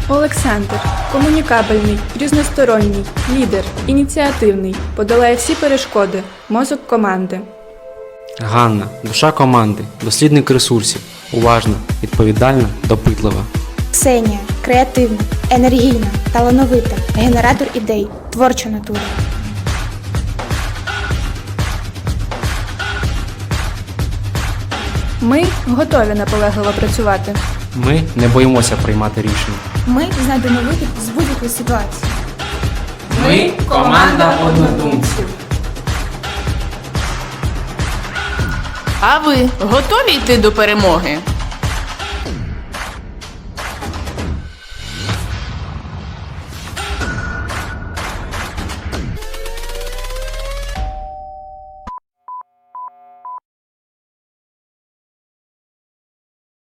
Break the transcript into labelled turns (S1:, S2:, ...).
S1: Олександр – комунікабельний, різносторонній, лідер, ініціативний, подолає всі перешкоди, мозок команди.
S2: Ганна – душа команди, дослідник ресурсів, уважна, відповідальна, допитлива.
S3: Ксенія – креативна, енергійна, талановита, генератор ідей, творча натура.
S1: Ми готові наполегливо працювати.
S2: Ми не боїмося приймати рішення.
S3: Ми знайдемо вихід з будь-якої ситуації.
S2: Ми – команда однодумців.
S4: А ви готові йти до перемоги?